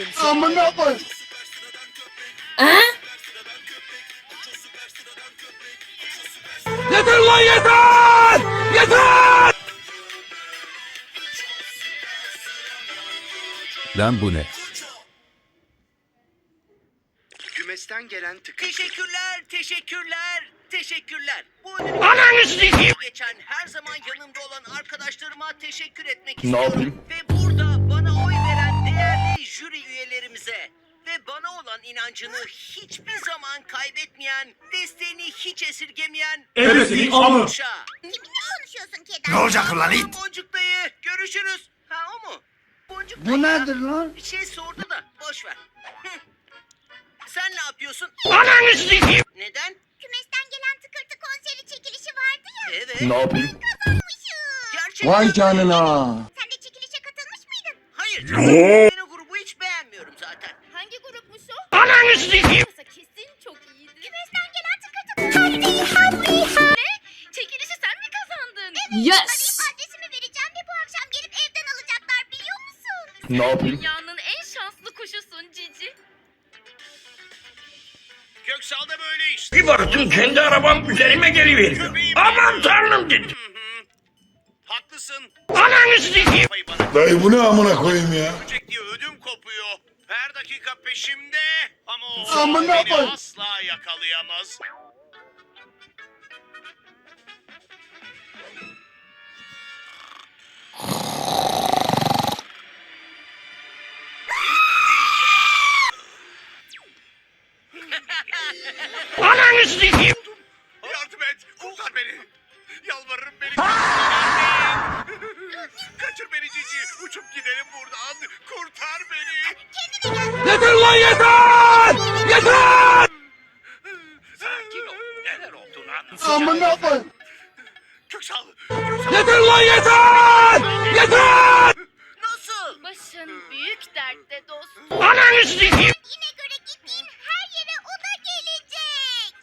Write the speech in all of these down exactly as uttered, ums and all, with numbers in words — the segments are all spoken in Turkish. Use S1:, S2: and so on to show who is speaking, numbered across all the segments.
S1: Amına koy.
S2: Ha?
S3: Yeter lan yeter! Yeter! Lan bu ne?
S4: Kümesten gelen tıkı.
S5: Teşekkürler, teşekkürler, teşekkürler. Bu ödülü
S3: Ananı sikeyim!
S5: geçen her zaman yanımda olan arkadaşlarıma teşekkür etmek
S1: Ne
S5: istiyorum.
S1: yapayım?
S5: Ve burada bana oy veren değerli jüri üyelerimize ve bana olan inancını hiçbir zaman kaybetmeyen, desteğini hiç esirgemeyen
S3: Ebesinin amı!
S5: Uşa.
S6: Kiminle konuşuyorsun Keder?
S1: Ne olacak lan it?
S5: Boncuk dayı, görüşürüz. Ha o mu? Boncuk dayı
S1: Bu
S5: ya.
S1: nedir lan?
S5: Bir şey sordu da boş ver. Hı. Sen ne yapıyorsun?
S3: Ananı sikeyim!
S5: Neden?
S6: Kümesten gelen tıkırtı konseri çekilişi vardı ya.
S5: Evet.
S1: Ne yapayım?
S6: Kazanmışım.
S5: Gerçekten.
S1: Vay canına.
S6: Sen de çekilişe katılmış mıydın?
S5: Hayır canım. Ben o grubu hiç beğenmiyorum zaten.
S6: Hangi grupmuş o?
S3: Ananı sikeyim!
S6: Kesin çok iyiydi. Kümesten gelen tıkırtı konseri. Ne? Çekilişi sen mi kazandın? Evet.
S2: Yes.
S6: Arayıp adresimi vereceğim ve bu akşam gelip evden alacaklar biliyor musun?
S1: Ne yapayım?
S6: Dünyanın en şanslı kuşusun Cici.
S5: Köksal'da böyle işte.
S3: Bir baktım kendi arabam üzerime geliveriyor. Aman tanrım dedim.
S5: Haklısın.
S3: Ananı sikeyim!
S5: Kafayı bana
S1: Dayı bu ne amına koyayım ya?
S5: görecek diye ödüm kopuyor. Her dakika peşimde. Ama o
S1: Amına
S5: beni
S1: koy.
S5: asla yakalayamaz.
S3: Ananı sikeyim!
S5: Yardım et. Kurtar beni. Yalvarırım beni. Kaçır beni Cici. Uçup gidelim buradan. Kurtar beni.
S3: Yeter lan yeter! Yeter!
S5: Sakin ol. Neler olduğunu anlatacağım.
S1: Amına koy.
S5: Köksal. Köksal.
S3: Yeter lan yeter! Yeter!
S5: Nasıl?
S6: Başın büyük dertte dostum.
S3: Ananı sikeyim!
S6: Yine göre gittiğin her yere o da gelecek.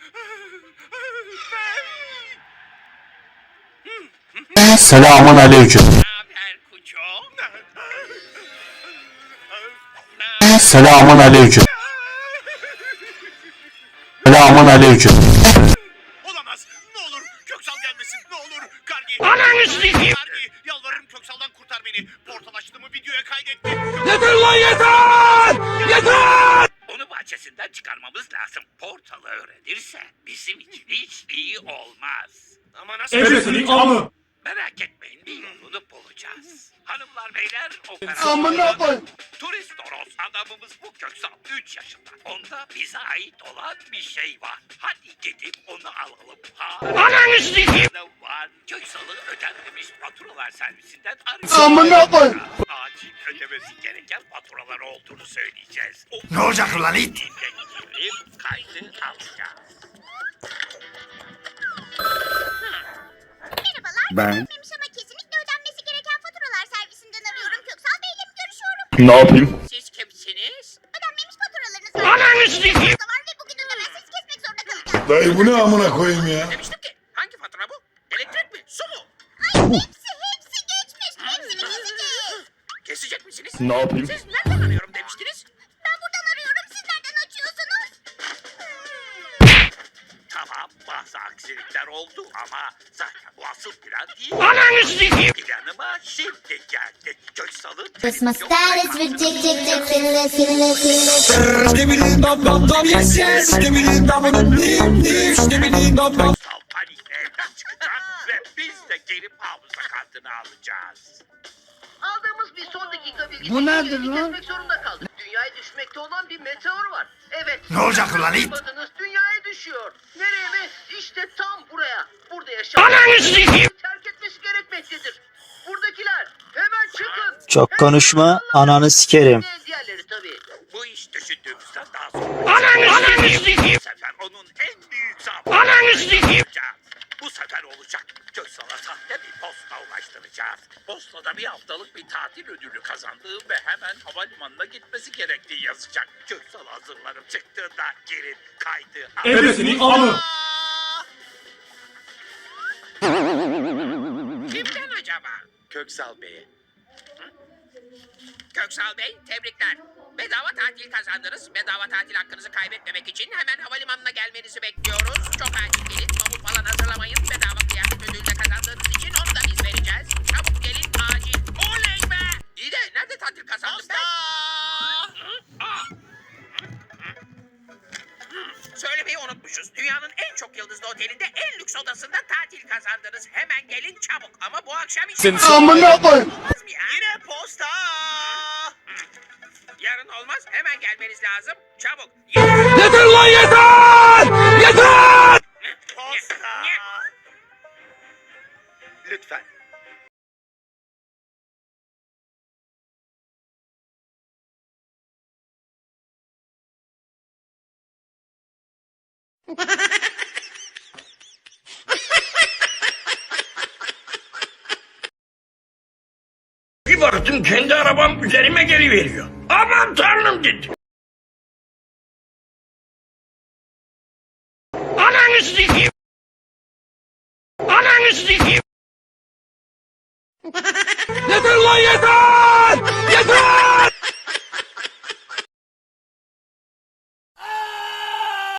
S7: Selamun aleyküm.
S5: Ne haber Kuço?
S7: Selamun aleyküm. Selamun aleyküm.
S5: Olamaz. Ne olur Köksal gelmesin. Ne olur. Kargi.
S3: Ananı sikeyim!
S5: Kargi. Yalvarırım Köksal'dan kurtar beni. Portal açtığımı videoya kaydetti.
S3: Yeter lan yeter! Yeter!
S8: Onu bahçesinden çıkarmamız lazım. Portalı öğrenirse bizim için hiç iyi olmaz.
S5: Ama nasıl?
S3: Ebesinin amı!
S8: Merak etmeyin, bir yolunu bulacağız. Hanımlar beyler
S1: Amına
S8: operasyon.
S1: koy.
S8: Turist Toros adamımız bu Köksal üç yaşında. Onda bize ait olan bir şey var. Hadi gidip onu alalım. Ha.
S3: Ananı sikeyim!
S8: Var. Köksal'ı ödenmemiş faturalar servisinden
S1: Amına koy.
S8: Acil ödemesi gereken faturalar olduğunu söyleyeceğiz. O
S1: Ne olacak lan it?
S8: girip kaydı alacağız.
S6: Merhabalar.
S7: Ben-
S6: Ödenmemiş ama kesinlikle ödenmesi gereken faturalar servisinden arıyorum. Köksal Bey'le mi görüşüyorum?
S1: Ne yapayım?
S8: Siz kimsiniz?
S6: Ödenmemiş faturalarınız var.
S3: Ananı sikeyim!
S6: Da var ve bugün ödemezseniz kesmek zorunda kalacağız.
S1: Dayı bu ne amına koyayım ya?
S8: Demiştim ki hangi fatura bu? Elektrik mi? Su mu?
S6: Hepsi hepsi geçmiş. Hepsini keseceğiz.
S8: Kesecek misiniz?
S1: Ne yapayım?
S8: Siz nereden arıyorum demiştiniz?
S6: Ben buradan arıyorum. Siz nereden açıyorsunuz?
S8: Tamam bazı aksilikler oldu ama zaten bu asıl plan değil.
S3: Ananı sikeyim!
S8: Planıma şimdi geldi. Köksal'ın
S6: Christmas
S8: televizyon
S6: that is
S8: frekansını
S6: ridiculous, ridiculous, ridiculous.
S8: Köksal panikle evden çıkacak ve biz de gelip hafıza kartını alacağız.
S5: Aldığımız bir son dakika bilgisi.
S1: Bu nedir lan?
S5: Kesmek zorunda kaldık. Dünyaya düşmekte olan bir meteor var. Evet.
S1: Ne olacak lan it?
S5: Bakınız dünyaya düşüyor. Nereye mi? İşte tam buraya. Burada yaşayan
S3: Ananı sikeyim!
S5: terk etmesi gerekmektedir. Buradakiler hemen çıkın.
S7: Çok
S5: Hemen
S7: konuşma,
S5: çıkın.
S7: ananı sikerim.
S5: Ve diğerleri tabii.
S8: Bu iş düşündüğümüzden daha zor.
S3: Ananı ananı sikeyim!
S8: Bu sefer onun en büyük zaafı.
S3: Ananı sikeyim!
S8: Bu sefer olacak. Köksal'a sahte bir posta ulaştıracağız. Postada bir haftalık bir tatil ödülü kazandığı ve hemen havalimanına gitmesi gerektiği yazacak. Köksal hazırlanıp çıktığında gelin kaydı.
S3: Ebesinin amı!
S8: Kimden acaba?
S4: Köksal Bey'e.
S8: Köksal Bey, tebrikler. Bedava tatil kazandınız. Bedava tatil hakkınızı kaybetmemek için hemen havalimanına gelmenizi bekliyoruz. Çok acil gelin, bavul falan hazırlamayın. Bedava kıyafet ödülü de kazandığınız için onu da biz vereceğiz. Çabuk gelin, acil. Oley be! İyi de nerede tatil kazandım ben? Aa! Söylemeyi unutmuşuz. Dünyanın en çok yıldızlı otelinde en lüks odasında tatil kazandınız. Hemen gelin çabuk. Ama bu akşam için...
S1: Amına koyayım.
S5: Yine posta.
S8: Yarın olmaz. Hemen gelmeniz lazım. Çabuk.
S3: Yeter lan yeter! Yeter!
S5: Posta.
S4: Lütfen.
S3: Bir baktım kendi arabam üzerime geliveriyor. Aman tanrım dedim. Ananı sikeyim. Ananı sikeyim. Yeter lan yeter!